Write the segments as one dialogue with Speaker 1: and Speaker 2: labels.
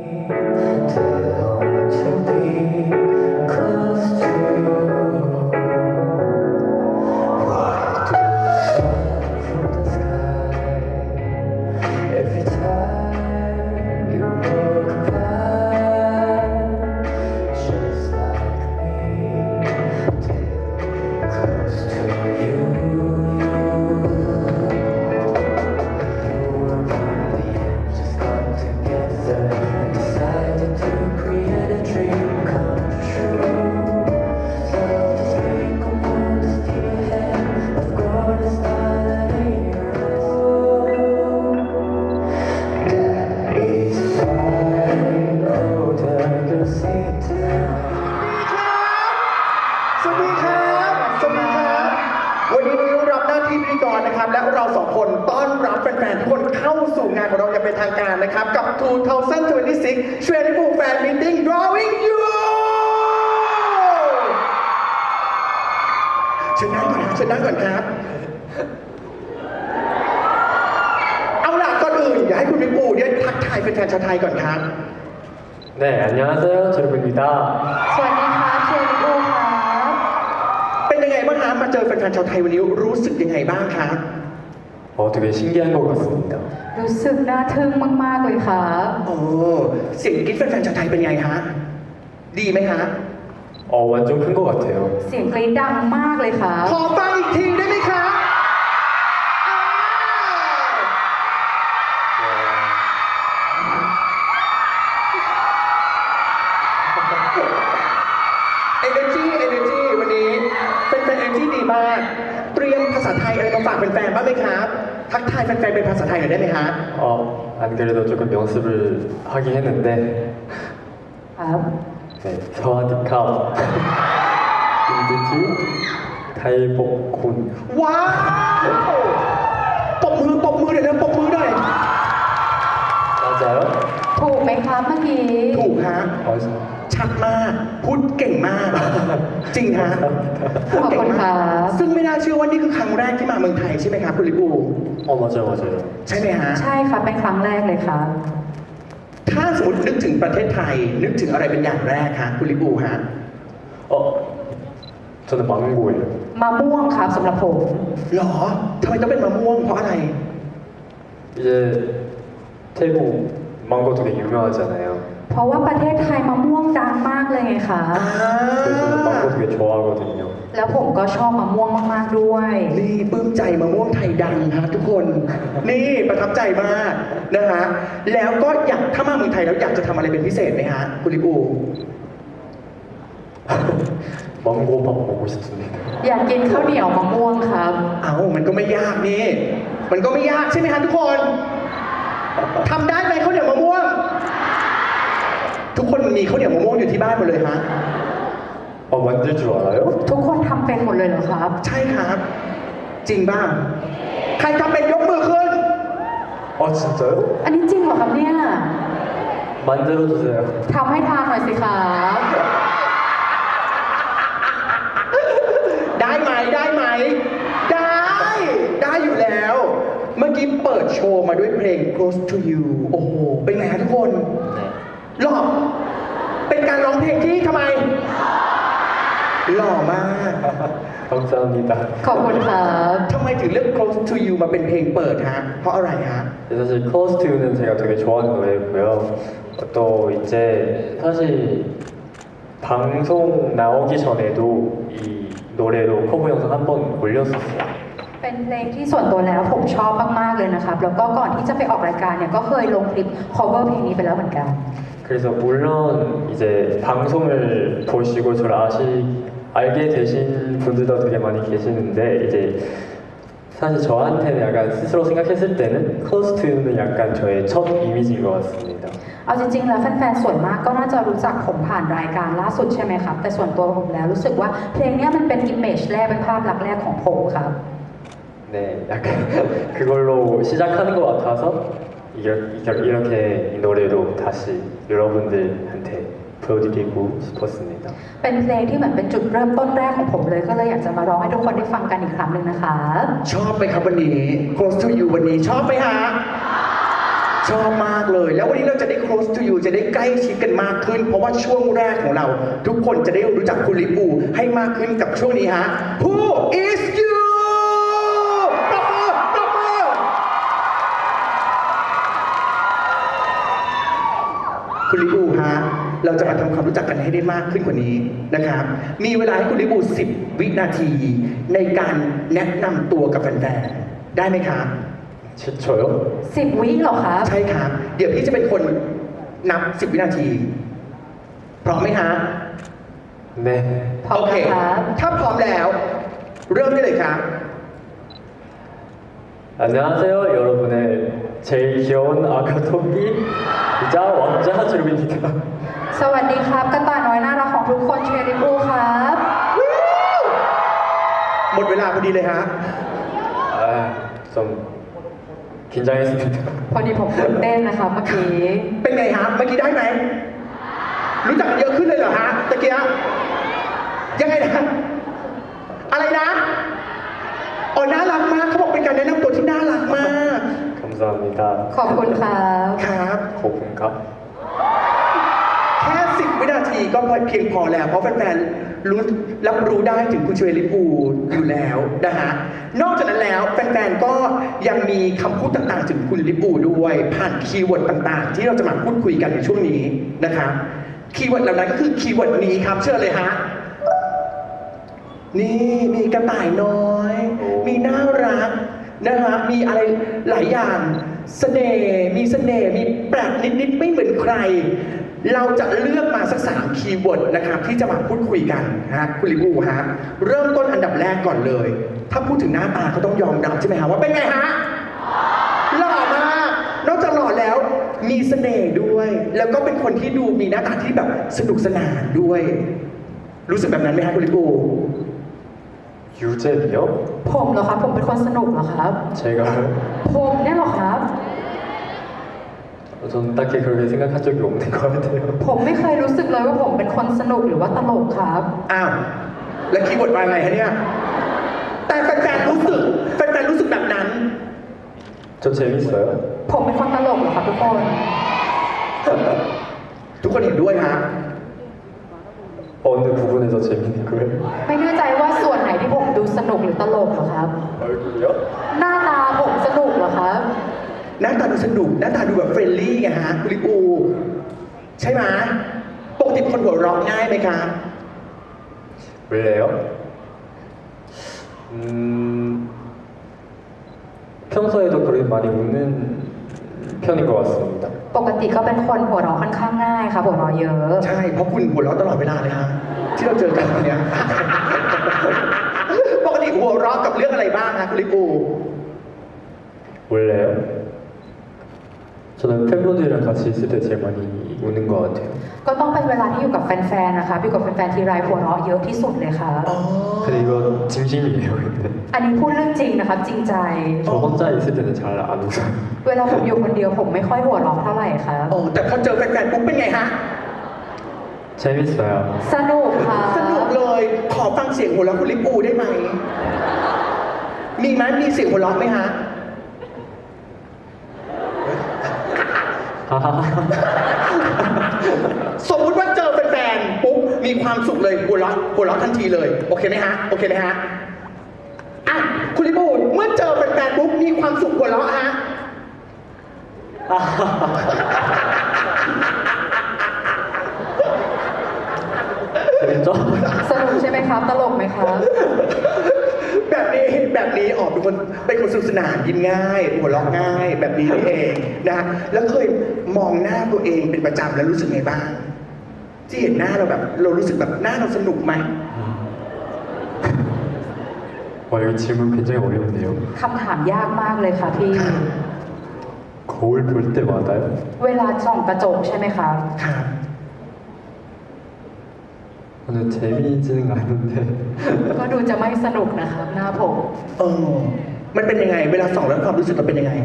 Speaker 1: สวัสดีครับสวัสดีครับวันนี้นุ้ยรับหน้าที่พิธีกรนะครับและเราสองคนต้อนรับแฟนๆทุกคนเข้าสู่งานของเราอย่างเป็นทางการนะครับกับ 2026 Shredable Fan Meeting Drawing You เชิญนั่งก่อนครับเชิญนั่งก่อนครับเอาล่ะก่อนอื่นอยากให้คุณวิปูเนี่ยทักทายแฟนๆชาวไทยก่อนครับ
Speaker 2: 네, 안녕하세요. 제르입니다.
Speaker 3: สวัสดีครับเชอริโอครับ
Speaker 1: เป็นยังไงบ้างครับมาเจอแฟนๆชาวไทยวันนี้รู้สึกยังไงบ้างครับ
Speaker 2: 되게 신기한 것 같습니다.
Speaker 3: รู้สึกน่าทึ่งมากๆเลยครับ
Speaker 1: โอ้เสียงกรี๊ดแฟนๆชาวไทยเป็นไงฮะดีไหมฮะ
Speaker 2: 완전 큰 것 같아요.
Speaker 3: เสียงกรี๊ดดังมากเลยครับ
Speaker 1: ขอฟังอีกทีได้ไหมครับEnergy วันนี้เป็นแฟน Energy ดีมากเตรียมภาษาไทยอะไรมาฝากแฟนๆบ้างไหมครับทักทายแฟนๆเป็นภาษาไทยหน่อยได้ไหมฮะ
Speaker 2: 안 그래도 조금 연습을 하긴 했는데
Speaker 3: ครับ
Speaker 2: 네, 사와디캅 인디티 타이복군
Speaker 1: ว้าวปรบมือเดี๋ยวนะปรบมือหน่อย
Speaker 2: 맞아요?
Speaker 3: ถูกไหมครับเมื่อกี้
Speaker 1: ถูกฮะ
Speaker 2: 맞아.
Speaker 1: ชัดมากพูดเก่งมาก จริงฮะพูดเก่งมากซึ่งไม่น่าเชื่อว่านี่คือครั้งแรกที่มาเมืองไทยใช่ไหมครับคุณลิปู
Speaker 2: 맞아요.
Speaker 1: ใช่ไหมฮะ
Speaker 3: ใช่ครับเป็นครั้งแรกเลยครับ
Speaker 1: ถ้าสมมตินึกถึงประเทศไทยนึกถึงอะไรเป็นอย่างแรกฮะคุณลิปูฮะ
Speaker 2: 저는 망고예요.
Speaker 3: มะม่วงครับสำหรับผม
Speaker 1: หรอทำไมต้องเป็นมะม่วงเพราะอะไร
Speaker 2: 이제 태국 망고 되게 유명하잖아요.
Speaker 3: เพราะว่าประเทศไทยมะม่วงดังมากเลยไงคะ
Speaker 2: 그래서 저는 망고 되게 좋아하거든요.
Speaker 3: แล้วผมก็ชอบมะม่วงมากๆด้วย
Speaker 1: นี่ปลื้มใจมะม่วงไทยดังฮะทุกคน นี่ประทับใจมากนะฮะแล้วก็อยากถ้ามาเมืองไทยแล้วอยากจะทำอะไรเป็นพิเศษไหมฮะคุณลิปู
Speaker 2: 망고밥 먹고 싶습니다.
Speaker 3: อยากกินข้าวเหนียวมะม่วงครับ
Speaker 1: เอามันก็ไม่ยากนี่มันก็ไม่ยากใช่ไหมฮะทุกคนทำได้ไหมข้าวเหนียวมะม่วง ทุกคนมีข้าวเหนียวมะม่วงอยู่ที่บ้านหมดเลยฮะ
Speaker 2: 만들 줄 알아요?
Speaker 3: ทุกคนทำเป็นหมดเลยเหรอครับ
Speaker 1: ใช่ครับ จริงบ้างใครทำเป็นยกมือขึ้น
Speaker 2: 진짜요?
Speaker 3: อันนี้จริงเหรอครับเนี่ย
Speaker 2: 만들어주세요.
Speaker 3: ทำให้ทานหน่อยสิครับ
Speaker 1: ได้ไหมได้อยู่แล้ว เมื่อกี้เปิดโชว์มาด้วยเพลง Close to You โอ้โหเป็นไงฮะทุกคนหล่อเป็นการร้องเพลงที่ทำไมหล่อมาก
Speaker 2: 감사합니다.
Speaker 3: ขอบคุณครับ
Speaker 1: ทำไมถึงเลือก Close to You มาเป็นเพลงเปิดฮะเพราะอะไรฮะ
Speaker 2: 사실 클로스투유는 제가 되게 좋아하는 노래고요. 또 이제 사실 방송 나오기 전에도 이 노래로 커버 영상 한 번 올렸었어요.
Speaker 3: เป็นเพลงที่ส่วนตัวแล้วผมชอบมากๆเลยนะครับ แล้วก็ก่อนที่จะไปออกรายการเนี่ยก็เคยลงคลิป cover เพลงนี้ไปแล้วเหมือนกัน
Speaker 2: 그래서 물론 이제 방송을 보시고 저를 알게 되신 분들도 되게 많이 계시는데 이제 사실 저한테는 약간 스스로 생각했을 때는 클로스투유는 약간 저의 첫 이미지인 것 같습니다.
Speaker 3: เอาจริงๆแล้วแฟนๆส่วนมากก็น่าจะรู้จักผมผ่านรายการล่าสุดใช่ไหมครับ แต่ส่วนตัวผมแล้วรู้สึกว่าเพลงนี้มันเป็น image แรกเป็นภาพลักษณ์แรกของผมครับ
Speaker 2: 네, 약간 그걸로 시작하는 것 같아서 이렇게 이 노래로 다시 여러분들한테 보여드리고 싶었습니다.
Speaker 3: เป็นเพลงที่เหมือนเป็นจุดเริ่มต้นแรกของผมเลยก็เลยอยากจะมาร้องให้ทุกคนได้ฟังกันอีกครั้งหนึ่งนะคะ
Speaker 1: ชอบไหมครับวันนี้ Close to You วันนี้ชอบไหมฮะชอบมากเลย แล้ววันนี้เราจะได้ close to you จะได้ใกล้ชิดกันมากขึ้น เพราะว่าช่วงแรกของเรา ทุกคนจะได้รู้จักคุณลิปูให้มากขึ้นกับช่วงนี้ฮะ Who is you ปรบมือปรบมือคุณลิปูฮะ เราจะมาทำความรู้จักกันให้ได้มากขึ้นกว่านี้นะครับ มีเวลาให้คุณลิปู10 วินาทีในการแนะนำตัวกับแฟนๆ ได้ไหมครับ
Speaker 2: 저요?
Speaker 3: 10 วิเหรอครับ
Speaker 1: ใช่ครับ เดี๋ยวพี่จะเป็นคนนับ 10 วินาที พร้อมไหมฮะ
Speaker 2: 네.
Speaker 3: พร้อม
Speaker 1: โอเค
Speaker 3: นะครับ
Speaker 1: ถ้าพร้อมแล้ว เริ่มได้เลยครับ
Speaker 2: 안녕하세요, 여러분의 제일 귀여운 아가 토끼이자 왕자 주름입니다.
Speaker 3: สวัสดีครับกระต่ายน้อยน่ารักของทุกคนเชริปูครับ
Speaker 1: หมดเวลาพอดีเลยฮะ
Speaker 2: 아, 좀 긴장했습니다.
Speaker 3: พอดีผมตื่นเต้นนะครับเมื่อกี้
Speaker 1: เป็นไงฮะ เมื่อกี้ได้ไหม รู้จักกันเยอะขึ้นเลยเหรอฮะตะเกียบยังไงนะ อะไรนะอ๋อน่ารักมากเขาบอกเป็นการแนะนำตัวที่น่ารักมาก
Speaker 2: 감사합니다.
Speaker 3: ขอบคุณครับ
Speaker 1: ครับ
Speaker 2: 고픈가?
Speaker 1: แค่ 10 วินาทีก็เพียงพอแล้ว เพราะแฟนๆรู้รับรู้ได้ถึงคุณชเวลิปูอยู่แล้วนะฮะ นอกจากนั้นแล้วแฟนๆก็ยังมีคำพูดต่างๆ ถึงคุณลิปูด้วย ผ่านคีย์เวิร์ดต่างๆ ที่เราจะมาพูดคุยกันในช่วงนี้นะครับ คีย์เวิร์ดเหล่านั้นก็คือคีย์เวิร์ดนี้ครับ เชื่อเลยฮะ นี่มีกระต่ายน้อย มีน่ารักนะฮะ มีอะไรหลายอย่างเสน่ห์มีเสน่ห์มีแปลกนิดๆไม่เหมือนใคร เราจะเลือกมาสัก3คีย์เวิร์ดนะครับที่จะมาพูดคุยกันนะฮะคุณลิบูฮะเริ่มต้นอันดับแรกก่อนเลย ถ้าพูดถึงหน้าตาก็ต้องยอมรับใช่ไหมฮะว่าเป็นไงฮะหล่อมากนอกจากหล่อแล้วมีเสน่ห์ด้วย แล้วก็เป็นคนที่ดูมีหน้าตาที่แบบสนุกสนานด้วย รู้สึกแบบนั้นไหมฮะคุณลิบู
Speaker 2: 유잼이요?
Speaker 3: ผมเหรอครับผมเป็นคนสนุกเหรอครับ
Speaker 2: 제가요?
Speaker 3: ผมเนี่ยเหรอครับ
Speaker 2: 저는 딱히 그렇게 생각한 적이 없는 것 같아요.
Speaker 3: ผมไม่เคยรู้สึกเลยว่าผมเป็นคนสนุกหรือว่าตลกครับ
Speaker 1: อ้าวแล้วคีย์เวิร์ดมาไงฮะเนี่ยแต่แฟนๆรู้สึกแบบนั้น
Speaker 2: 저 재밌어요.
Speaker 3: ผมเป็นคนตลกเหรอครับทุกคน
Speaker 1: ทุกคนเห็นด้วยฮะ
Speaker 2: 어느 부분에서 재밌는 거예요?
Speaker 3: ไม่แน่ใจว่าส่วนไหนที่ผมดูสนุกหรือตลกเหรอครับ
Speaker 2: 얼굴이요?
Speaker 3: หน้าตาผมสนุกเหรอครับ
Speaker 1: หน้าตาดูสนุกหน้าตาดูแบบเฟรนลี่ไงฮะคุณลิปูใช่ไหมปกติเป็นคนหัวเราะง่ายไหมครับ
Speaker 2: 원래요? 평소에도 그렇게 많이 웃는 편인 것 같습니다.
Speaker 3: ปกติก็เป็นคนหัวเราะค่อนข้างง่ายครับหัวเราะเยอะ
Speaker 1: ใช่เพราะคุณหัวเราะตลอดเวลาเลยฮะที่เราเจอกันวันเนี้ย ปกติหัวเราะกับเรื่องอะไรบ้างฮะคุณลิปู
Speaker 2: 원래요? 저는 팬분들이랑 같이 있을 때 제일 많이 우는 것 같아요.
Speaker 3: ก็ต้องเป็นเวลาที่อยู่กับแฟนๆนะคะอยู่กับแฟนๆทีไรหัวเราะเยอะที่สุดเลยครับ
Speaker 1: อ๋อ
Speaker 2: 근데 이거 진심이에요, 근데.
Speaker 3: อันนี้พูดเรื่องจริงนะครับจริงใจ
Speaker 2: 저 혼자 있을 때는 잘 안 웃어요.
Speaker 3: เวลาผมอยู่คนเดียวผมไม่ค่อยหัวเราะเท่าไหร่ครับ
Speaker 1: อ๋อแต่พอเจอแฟนๆปุ๊บเป็นไงฮะ
Speaker 2: 재밌어요.
Speaker 3: สนุกค่ะ
Speaker 1: สนุกเลย ขอฟังเสียงหัวเราะคุณลิปูได้ไหม มีไหมมีเสียงหัวเราะไหมฮะ สมมุติว่าเจอแฟนๆปุ๊บมีความสุขเลยหัวเราะทันทีเลย โอเคไหมฮะ โอเคไหมฮะอ่ะคุณลิปูเมื่อเจอแฟนๆปุ๊บมีความสุขหัวเราะฮะ
Speaker 2: 재밌죠?
Speaker 3: สนุกใช่ไหมครับ ตลกไหมครับ
Speaker 1: แบบนี้ออกเป็นคนสนุกสนานยิ้มง่าย หัวเราะง่าย แบบนี้นี่เองนะฮะแล้วเคยมองหน้าตัวเองเป็นประจำแล้วรู้สึกไงบ้าง ที่เห็นหน้าเราแบบ เรารู้สึกแบบหน้าเราสนุกไหม
Speaker 2: 와, 이거 질문 굉장히 어려운데요.
Speaker 3: คำถามยากมากเลยค่ะพี่
Speaker 2: 거울 볼 때마다요?
Speaker 3: เวลาส่องกระจกใช่ไหมครับ
Speaker 1: ครับ
Speaker 2: 저는 재미있지는 않은데
Speaker 3: ก็ดูจะไม่สนุกนะครับ หน้าผม
Speaker 1: มันเป็นยังไง เวลาส่องแล้วความรู้สึกเราเป็นยังไง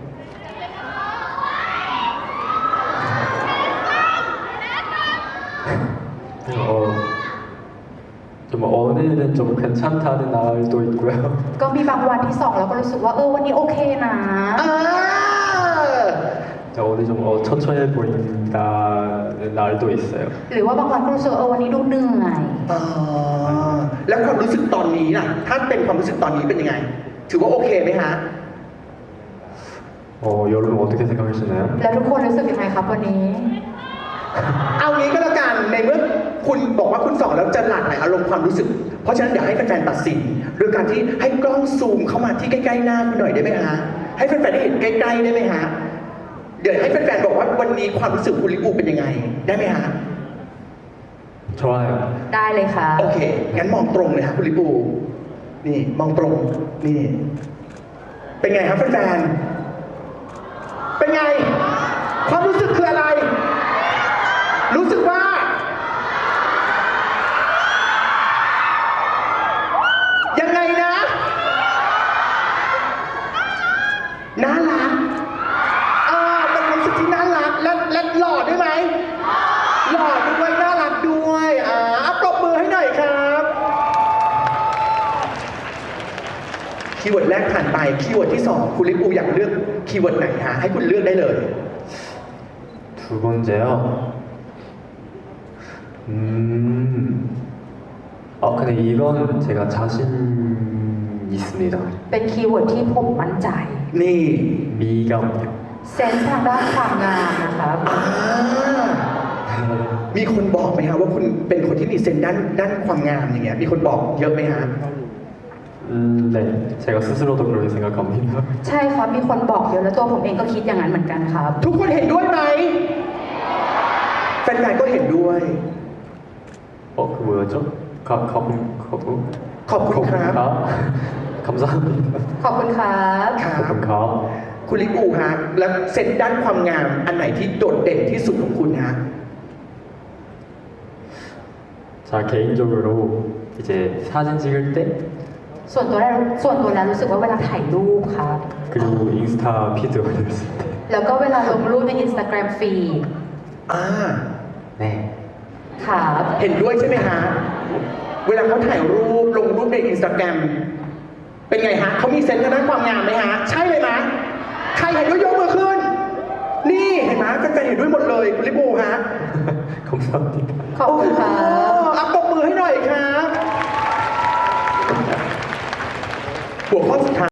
Speaker 2: 좀 오늘은 좀 괜찮다는 날도 있고요.
Speaker 3: ก็มีบางวันที่ส่องแล้วก็รู้สึกว่าวันนี้โอเคนะ
Speaker 1: อ่า
Speaker 2: 오늘 좀 처참해 보인다는 날도 있어요.
Speaker 3: หรือว่าบางวันก็รู้สึกว่าวันนี้ดูเหนื่อย
Speaker 1: อ๋อแล้วความรู้สึกตอนนี้ล่ะถ้าเป็นความรู้สึกตอนนี้เป็นยังไง ถือว่าโอเคไหมฮะ
Speaker 2: 여러분 어떻게 생각하시나요?
Speaker 3: แล้วทุกคนรู้สึกยังไงครับวันนี้
Speaker 1: เอางี้ก็แล้วกันในเมื่อคุณบอกว่าคุณสอนแล้วจะหลั่งไหนอารมณ์ความรู้สึก เพราะฉะนั้นเดี๋ยวให้แฟนๆตัดสินโดยการที่ให้กล้องซูมเข้ามาที่ใกล้ๆหน้าคุณหน่อยได้ไหมฮะให้แฟนๆได้เห็นใกล้ๆได้ไหมฮะเดี๋ยวให้แฟนๆบอกว่าวันนี้ความรู้สึกคุณลิปูเป็นยังไงได้ไหมฮะ
Speaker 2: 좋아요.
Speaker 3: ได้เลยค่ะ
Speaker 1: โอเคงั้นมองตรงเลยฮะคุณลิปูนี่มองตรงนี่เป็นไงครับแฟนๆเป็นไง ความรู้สึกคืออะไร รู้สึกว่า ยังไงนะ น่ารักเป็นความรู้สึกที่น่ารักและหล่อด้วยไหมหล่อด้วยน่ารักด้วยปรบมือให้หน่อยครับคีย์เวิร์ดแรกผ่านไปคีย์เวิร์ดที่สองคุณลิปูอยากเลือกคีย์เวิร์ดไหนฮะให้คุณเลือกได้เลย
Speaker 2: 두 번째요. 근데 이건 제가 자신 있습니다.
Speaker 3: เป็นคีย์เวิร์ดที่ผมมั่นใจ
Speaker 1: นี่
Speaker 2: 미감요.
Speaker 3: เซนส์ทางด้านความงามนะครับ
Speaker 1: มีคนบอกไหมฮะว่าคุณเป็นคนที่มีเซนส์ด้านความงามอย่างเงี้ยมีคนบอกเยอะไหมฮะ
Speaker 2: 네. 제가 스스로도 그렇게 생각합니다.
Speaker 3: ใช่ครับ มีคนบอกเยอะแล้วตัวผมเองก็คิดอย่างนั้นเหมือนกันครับ
Speaker 1: ทุกคนเห็นด้วยไหมแฟนๆก็เห็นด้วย
Speaker 2: 그 뭐였죠? 가부.
Speaker 1: ขอบคุณครับ
Speaker 2: 감사합니다.
Speaker 3: ขอบคุณครับ
Speaker 1: ครับ
Speaker 2: ขอบคุณครับ
Speaker 1: คุณลิปูฮะแล้วเซนส์ด้านความงามอันไหนที่โดดเด่นที่สุดของคุณฮะ
Speaker 2: 자 개인적으로 이제 사진 찍을 때
Speaker 3: ส่วนตัวแล้วรู้สึกว่าเวลาถ่ายรูปครับ
Speaker 2: 그리고 인스타 피드 올렸을 때
Speaker 3: แล้วก็เวลาลงรูปใน Instagram feed
Speaker 2: 네.
Speaker 3: ครับ
Speaker 1: เห็นด้วยใช่ไหมฮะ เวลาเขาถ่ายรูปลงรูปในอินสตาแกรมเป็นไงฮะเขามีเซนส์ทางด้านความงามไหมฮะ ใช่เลยไหมใครเห็นด้วยยกมือขึ้น นี่เห็นไหมแฟนๆเห็นด้วยหมดเลยคุณลิปูฮะ
Speaker 2: 감사합니다.
Speaker 3: ขอบคุณครับ
Speaker 1: ปรบมือให้หน่อยครับ หัวข้อสุดท้าย